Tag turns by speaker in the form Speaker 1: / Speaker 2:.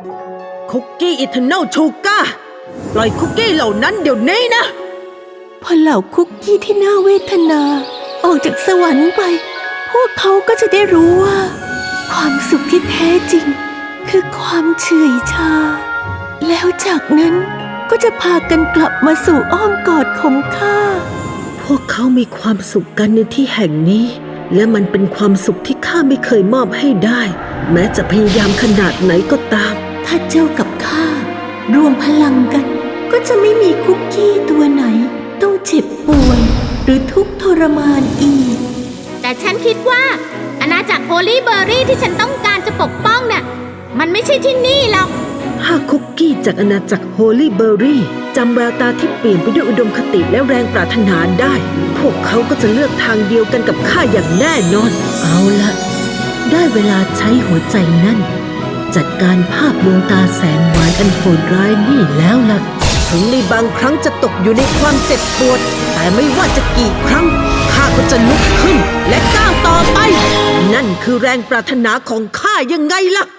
Speaker 1: คุกกี้อิเทอร์เนลชูก้าปล่อยคุกกี้เหล่านั้นเดี๋ยวนี้นะ
Speaker 2: พอเหล่าคุกกี้ที่น่าเวทนาออกจากสวรรค์ไปพวกเขาก็จะได้รู้ว่าความสุขที่แท้จริงคือความเฉยชาแล้วจากนั้นก็จะพากันกลับมาสู่อ้อมกอดของข้า
Speaker 1: พวกเขามีความสุขกันในที่แห่งนี้และมันเป็นความสุขที่ข้าไม่เคยมอบให้ได้แม้จะพยายามขนาดไหนก็ตาม
Speaker 2: ถ้าเจ้ากับข้ารวมพลังกันก็จะไม่มีคุกกี้ตัวไหนต้องเจ็บป่วยหรือทุกข์ทรมานอีก
Speaker 3: แต่ฉันคิดว่าอาณาจักรโฮลี่เบอร์รี่ที่ฉันต้องการจะปกป้องน่ะมันไม่ใช่ที่นี่หรอก
Speaker 1: ถ้าคุกกี้จากอาณาจักรโฮลี่เบอร์รี่จำแววตาที่เปลี่ยนไปด้วยอุดมคติและแรงปรารถนาได้พวกเขาก็จะเลือกทางเดียวกันกับข้าอย่างแน่นอนเอาละได้เวลาใช้หัวใจนั่นจัดการภาพดวงตาแสนหวานอันโหดร้ายนี่แล้วล่ะถึงในบางครั้งจะตกอยู่ในความเจ็บปวดแต่ไม่ว่าจะกี่ครั้งข้าก็จะลุกขึ้นและก้าวต่อไปนั่นคือแรงปรารถนาของข้ายังไงล่ะ